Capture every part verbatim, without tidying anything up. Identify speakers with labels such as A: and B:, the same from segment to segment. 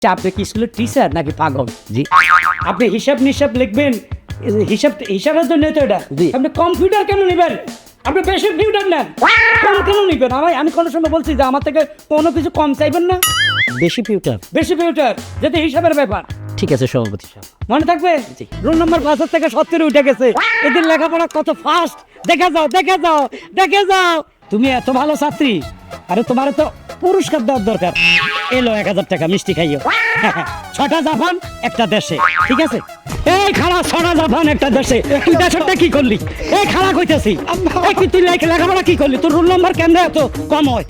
A: আপনি কি স্কুলের টিচার নাকি পাগল?
B: জি
A: আপনি হিসাব নিসাব লিখবেন, হিসাব হিসাবের জন্য তো এটা।
B: জি।
A: আপনি কম্পিউটার কেন নেবেন? আপনি বেশি কম্পিউটার নেন, কম কেন নিবেন? আমি আমি কোনো সময় বলছি যে আমার থেকে কোনো কিছু কম চাইবেন না।
B: বেশি পিউটার
A: বেশি কম্পিউটার যেতে হিসাবের ব্যাপার
B: ঠিক আছে সভাপতি সাহেব।
A: মনে থাকবে।
B: জি।
A: রোল নাম্বার পাঁচের থেকে সত্তরে উঠে গেছে। এদের লেখাপড়া কত ফাস্ট, দেখে যাও দেখে যাও দেখে যাও। তুমি এত ভালো ছাত্রী, আরে তোমার তো পুরস্কার দেওয়ার দরকার। এলো এক হাজার টাকা, মিষ্টি খাইও। ছটা জাপান একটা দেশে, ঠিক আছে? এই খালা, ছটা জাপান একটা দেশে। তুই দেশেরটা কি করলি? এই খালা কইতেছি, এই কি তুই লেখা- লেখাপড়া কি করলি? তোর রোল নাম্বার কেন এত কম হয়?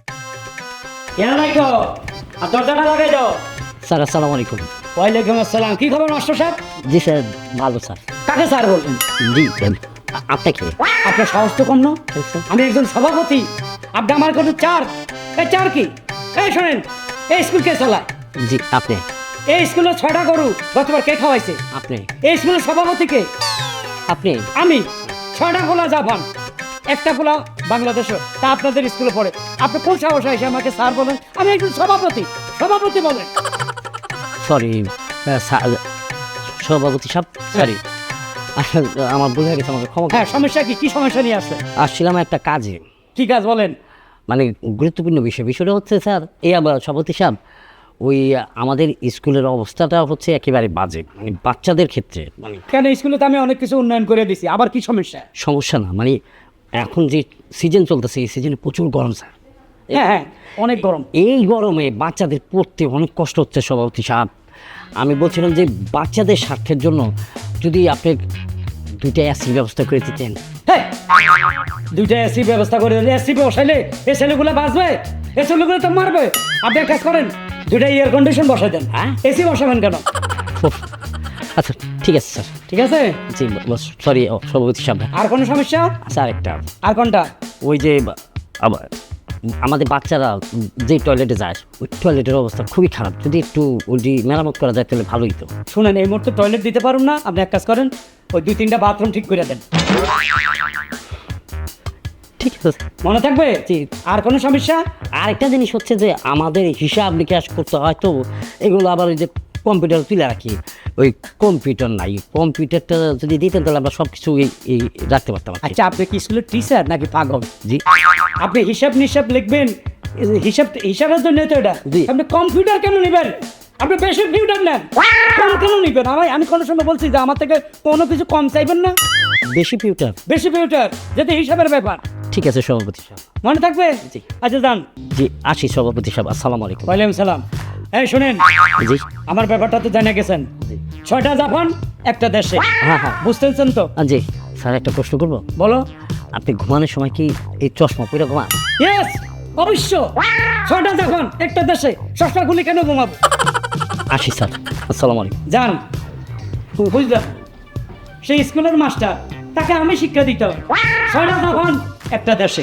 A: কেন রাখো? আর দরজাটা লাগাই দাও।
B: স্যার আসসালামু আলাইকুম।
A: ওয়ালাইকুম আসসালাম। কি খবর মাস্টার সাহেব?
B: জি স্যার ভালো স্যার।
A: কাকে স্যার বলবেন?
B: জি আ- আপনাকে
A: আপনার সাহস তো কম না।
B: স্যার।
A: আমি একজন সভাপতি, আপনি আমার কোনো চার। এই চার কি? এই শোনেন, এই স্কুল কে চালায়?
B: জি আপনি
A: এই স্কুলে ছয়টা গরু গতবার কে খাওয়াইছে?
B: আপনি
A: এই স্কুলের সভাপতি কে?
B: আপনি
A: আমি। ছয়টা গোলা জাপান, একটা গোলা বাংলাদেশ, তা আপনাদের স্কুলে পড়ে। আপনি কোন সাহস এসে আমাকে স্যার বলেন? আমি একজন সভাপতি, সভাপতি বলেন।
B: সরি স্যার সভাপতি সাহেব সরি আসলে আমার ভুল হয়ে গেছে, আমাকে ক্ষমা
A: হ্যাঁ,
B: করুন।
A: সমস্যা কি? কি সমস্যা নিয়ে আসছে?
B: আসছিলাম একটা কাজে,
A: কি কাজ বলেন?
B: মানে গুরুত্বপূর্ণ বিষয়। বিষয়টা হচ্ছে স্যার এই আবার সভাপতি সাহেব, ওই আমাদের স্কুলের অবস্থাটা হচ্ছে একেবারে বাজে, মানে বাচ্চাদের ক্ষেত্রে মানে
A: কেন? স্কুলে তো আমি অনেক কিছু উন্নয়ন করে দিছি, আবার কি সমস্যা?
B: সমস্যা না, মানে এখন যে সিজন চলতেছে এই সিজনে প্রচুর গরম স্যার।
A: হ্যাঁ হ্যাঁ, অনেক গরম।
B: এই গরমে বাচ্চাদের পড়তে অনেক কষ্ট হচ্ছে সভাপতি সাহেব। আমি বলছিলাম যে বাচ্চাদের স্বার্থের জন্য যদি আপনি দুইটা এসির ব্যবস্থা করে দিতেন।
A: হ্যাঁ, দুইটা এসি ব্যবস্থা করে দিলে এসি বসাইলে এই ছেলেগুলো বাঁচবে, এই ছেলেগুলো তো মারবে। আপনি এক কাজ করেন, দুইটা এয়ার কন্ডিশন বসাই দেন।
B: হ্যাঁ?
A: এসি বসাবেন কেন?
B: উফ, আচ্ছা ঠিক আছে স্যার।
A: ঠিক আছে।
B: জি সরি সভাপতি সাহেব।
A: আর কোনো সমস্যা?
B: আচ্ছা আরেকটা,
A: আর কোনটা?
B: ওই যে আবার আমাদের বাচ্চারা যে টয়লেটে যায় ওই টয়লেটের অবস্থা খুবই খারাপ, যদি একটু ওইটি মেরামত করা যায় তাহলে ভালোই তো।
A: শুনেন, এই মুহূর্তে টয়লেট দিতে পারুন না। আপনি এক কাজ করেন, ওই দুই তিনটা বাথরুম ঠিক করে দেন।
B: ঠিক আছে।
A: মনে থাকবে? জি। আর কোনো সমস্যা?
B: আরেকটা জিনিস হচ্ছে যে আমাদের হিসাব নিকাশ করতে হয় তো, এগুলো আবার ওই যে কম্পিউটার তুলে রাখি, ওই কম্পিউটার নাই। কম্পিউটারটা যদি দিতেন তাহলে আমরা সব কিছু এই এই রাখতে পারতাম আর কি।
A: আচ্ছা, আপনি কি স্কুলের টিচার নাকি পাগল?
B: জি
A: আপনি হিসাব নিসাব লিখবেন, হিসাব হিসাবের জন্য তো এটা।
B: জি।
A: আপনি কম্পিউটার কেন নেবেন? আপনি বেশি কম্পিউটার নেন, কম কেন নিবেন? আমি আমি কোনো সময় বলছি যে আমার থেকে কোনো কিছু কম চাইবেন না।
B: বেশি পিউটার
A: বেশি কম্পিউটার যেতে হিসাবের ব্যাপার।
B: ঠিক আছে সভাপতি সাহেব।
A: মনে থাকবে।
B: জি।
A: আচ্ছা যান।
B: জি আসি সভাপতি সাহেব, আসসালামু আলাইকুম।
A: ওয়ালাইকুম সালাম। এই শুনেন,
B: জি
A: আমার ব্যাপারটা তো জানা গেছেন।
B: জি
A: ছয়টা জাপান একটা দেশে,
B: হ্যাঁ হ্যাঁ
A: বুঝতেছেন তো?
B: আ, জি স্যার একটা প্রশ্ন করবো।
A: বলো।
B: আপনি ঘুমানোর সময় কি এই চশমা পরে ঘুমান?
A: ইয়েস, অবশ্য। ছয়টা জাপান একটা দেশে, সস্তা গুলি কেন ঘুমাবো?
B: আসি স্যার, আসসালামু আলাইকুম।
A: যান। বুঝলাম, সেই স্কুলের মাস্টার, তাকে আমি শিক্ষা দিতে হবে। ছয়টা জাপান একটা দেশে।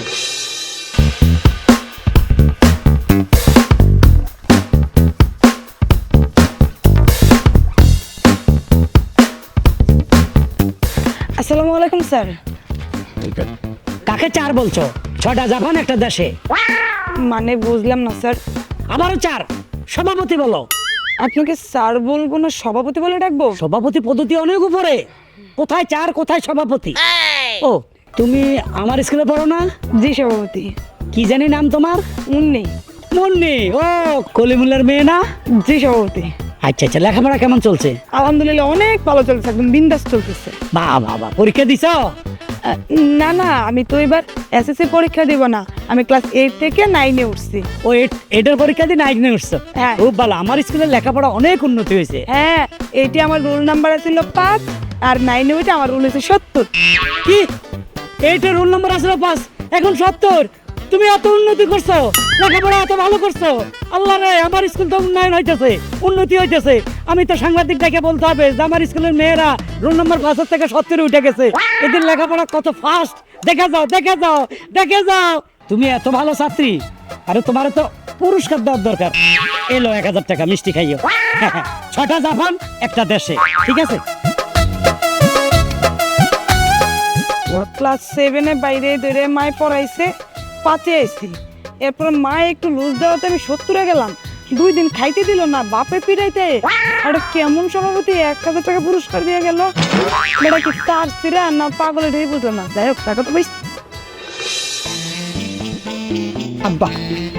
C: আসসালামু আলাইকুম স্যার।
A: কাকে চার বলছো? ছয়টা জাপান একটা দেশে।
C: মানে বুঝলাম না স্যার।
A: আবারও চার। সভাপতি বলো।
C: আপনাকে স্যার বলবো না সভাপতি বলে ডাকবো?
A: সভাপতি পদ্ধতি অনেক উপরে। কোথায় চার, কোথায় সভাপতি? ও, তুমি আমার স্কুলে পড়ো না?
C: জি সভাপতি।
A: কি জানি নাম তোমার?
C: মুন্নি।
A: মুন্নি। ও, কলিমুল্লার মেয়ে না?
C: জি সভাপতি।
A: আচ্ছা আচ্ছা, লেখাপড়া কেমন চলছে?
C: আলহামদুলিল্লাহ অনেক ভালো চলছে, একদম বিন্দাস চলতেছে।
A: বাহ বাহ বাহ, পরীক্ষা দিছো?
C: আহ, না না, আমি তো এবার এসএসসি পরীক্ষা দিব না, আমি ক্লাস এইট থেকে নাইনে উঠছি।
A: ও, এট- এটার পরীক্ষা দিয়ে নাইট নিয়ে উঠছো?
C: হ্যাঁ।
A: খুব ভালো। আমার স্কুলের লেখাপড়া অনেক উন্নতি হয়েছে।
C: হ্যাঁ, এইটি আমার রোল নাম্বার ছিল পাঁচ, আর নাইনে উঠে আমার রোল হয়েছে সত্তর।
A: কি? এইটার রোল নম্বর আসলে পাঁচ, এখন সত্তর? তুমি এত উন্নতি করছো, লেখাপড়া এত ভালো করছো। আল্লাহ রে, আমার স্কুল তো উন্নয়ন হইতেছে, উন্নতি হইতেছে। আমি তো সাংবাদিক ডেকে বলতে হবে যে আমার স্কুলের মেয়েরা রোল নম্বর পাঁচের থেকে সত্তরে উঠে গেছে। এদের লেখাপড়া কত ফাস্ট, দেখে যাও দেখে যাও দেখে যাও। তুমি এত ভালো ছাত্রী, আরে তোমার তো পুরস্কার দেওয়ার দরকার। এলো এক হাজার টাকা, মিষ্টি খাইও। ছটা জাপান একটা দেশে, ঠিক আছে?
C: ক্লাস সেভেনে বাইরে ধরে মায় পড়াইছে, পাঁচে আইছি। এরপর মা একটু লুজ দেওয়াতে আমি সত্তরে গেলাম। দুই দিন খাইতে দিল না বাপে পিড়াইতে আর কেমন সভাপতি এক হাজার টাকা পুরস্কার দিয়ে গেল এটা কি তার সিরা না পাগলের ঢেই বুঝলো না যাই হোক টাকা তো বেশ
A: আব্বা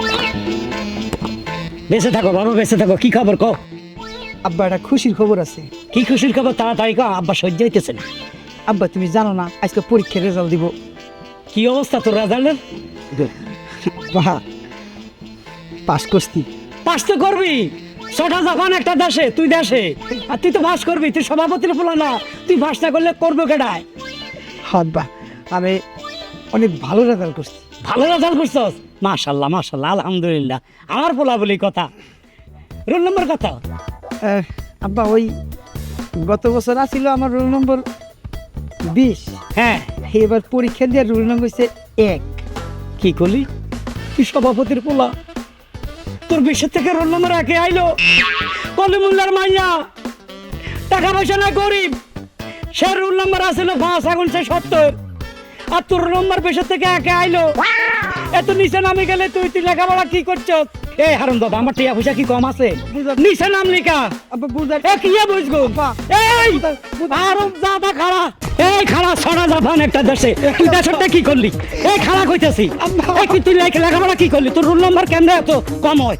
A: বেঁচে থাকো বাবা, বেঁচে থাকো। কি খবর কও?
D: আব্বা একটা খুশির খবর আছে।
A: কি খুশির খবর? তাড়াতাড়ি কও, আব্বা সহ্য হইতেছে না।
D: আব্বা তুমি জানো না আজকে পরীক্ষার রেজাল্ট দিব।
A: কি অবস্থা তোর রেজাল্টের?
D: বাহ, পাস করছি।
A: পাস তো করবি, ছটা জাপান একটা দেশে, তুই দেশে, আর তুই তো পাস করবি। তুই সভাপতির ফলা না, তুই পাস না করলে করবো কেডায়?
D: আব্বা আমি অনেক ভালো রেজাল্ট করছি।
A: ভালো রেজাল্ট করছস? মাশাল্লাহ মাশাল্লাহ, আলহামদুলিল্লাহ। আমার পোলা বলি কথা। রোল নম্বর কত?
D: আহ, আব্বা ওই গত বছর আসছিল আমার রোল নম্বর বিশ,
A: হ্যাঁ।
D: এবার পরীক্ষা দিয়ে রোল নম্বর হচ্ছে এক।
A: কি করলি? তুই সভাপতির পোলা, তোর বিশ্বের থেকে রোল নম্বর একে আইলো। কলিমুল্লার মাইয়া, টাকা পয়সা না গরিব, সে রোল নম্বর আসলো পাঁচ, এখন সে সত্তর, আর তোর নম্বর বিশ্বের থেকে একে আইলো। এত নিচে নামে গেলে তুই তুই লেখাপড়া কি করছস? এই হারুন দাদা, আমার টিয়া পয়সা কি কম আছে? নিচে নাম লিখা।
D: আব্বা বুঝার
A: এ কি বুঝবো? এই হারুন দাদা খাড়া, এই খাড়া, ছড়া জাপান একটা দেশে, তুই দেশেরটা কি করলি? এই খাড়া কইতাছি, এই কি তুই লেখা- লেখাপড়া কি করলি? তোর রোল নম্বর কেন এত কম হয়?